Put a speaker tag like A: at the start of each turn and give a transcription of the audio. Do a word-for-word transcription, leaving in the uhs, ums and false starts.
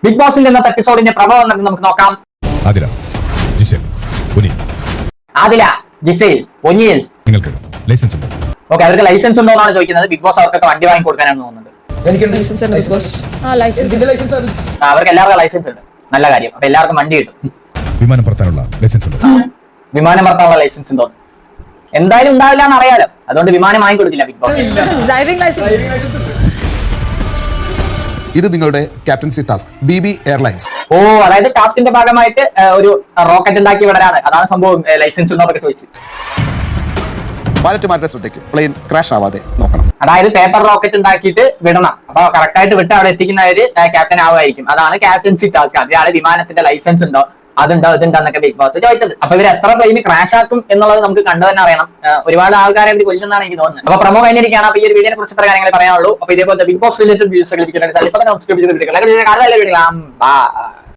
A: Big ബോസിന്റെ ഇന്നത്തെ എപ്പിസോഡിന്റെ promo എന്നത് നമുക്ക് നോക്കാം.
B: ആദില, ജിസേൽ, ഒനിയൽ.
A: ആദില, ജിസേൽ, ഒനിയൽ,
B: നിങ്ങൾക്ക് ലൈസൻസ് ഉണ്ടോ?
A: ഓക്കെ, അവർക്ക് ലൈസൻസ് ഉണ്ടോ എന്നാണ് ചോദിക്കുന്നത്. ബിഗ് ബോസ് അവർക്കൊക്കെ വണ്ടി വാങ്ങി കൊടുക്കാനാണ് തോന്നുന്നത്. അവർക്ക് എല്ലാവർക്കും ലൈസൻസ് ഉണ്ട്. നല്ല കാര്യം. അപ്പൊ എല്ലാവർക്കും വണ്ടി കിട്ടും.
B: വിമാനം പറത്താനുള്ള ലൈസൻസ് ഉണ്ടോ?
A: വിമാനം പറത്താനുള്ള ലൈസൻസ് ഉണ്ടോ? എന്തായാലും ഉണ്ടാവില്ല എന്ന് അറിയാലോ. അതുകൊണ്ട് വിമാനം വാങ്ങി കൊടുക്കില്ല ബിഗ് ബോസ്.
C: ഇത് നിങ്ങളുടെ captaincy task B B airlines.
A: Oh, അതായത് ടാസ്കിന്റെ ഭാഗമായിട്ട് ഒരു റോക്കറ്റ് ഉണ്ടാക്കി വിടാനാണ്. അതാണ് സംഭവം. ലൈസൻസ് ഉണ്ടോ എന്നൊക്കെ ചോദിച്ചു.
C: പൈലറ്റ് മാരുടെ ശ്രദ്ധയ്ക്ക് പ്ലെയിൻ ക്രാഷ് ആവാതെ നോക്കണം.
A: അതായത് പേപ്പർ റോക്കറ്റ് ഉണ്ടാക്കിയിട്ട് വിടണം. അപ്പൊ കറക്റ്റ് ആയിട്ട് വിട്ട് അവിടെ എത്തിക്കുന്നവര് ക്യാപ്റ്റൻ ആവുമായിരിക്കും. അതാണ് ക്യാപ്റ്റൻസി ടാസ്ക്. അതിലാണ് വിമാനത്തിന്റെ ലൈസൻസ് ഉണ്ടോ, അതുണ്ടോ ഇതുണ്ടോ എന്നൊക്കെ ബിഗ് ബോസ് ചോദിച്ചത്. അപ്പൊ ഇവർ എത്ര പ്ലെയിന് ക്രാഷ് ആക്കും എന്നുള്ളത് നമുക്ക് കണ്ടു തന്നെ അറിയണം. ഒരുപാട് ആൾക്കാരെ ഇവർ കൊല്ലുന്നതാണ് എനിക്ക് തോന്നുന്നത്. അപ്പൊ പ്രമോ കഴിഞ്ഞിരിക്കുകയാണ്. അപ്പൊ ഈ ഒരു വീഡിയോനെ കുറിച്ച് ഇത്ര കാര്യങ്ങൾ പറയാനുള്ളൂ. അപ്പൊ ഇതേപോലത്തെ ബിഗ് ബോസ് റിലേറ്റഡ് വീഡിയോസ് ലഭിക്കുന്നതിന് സബ്സ്ക്രൈബ് ചെയ്ത് വീഡിയോ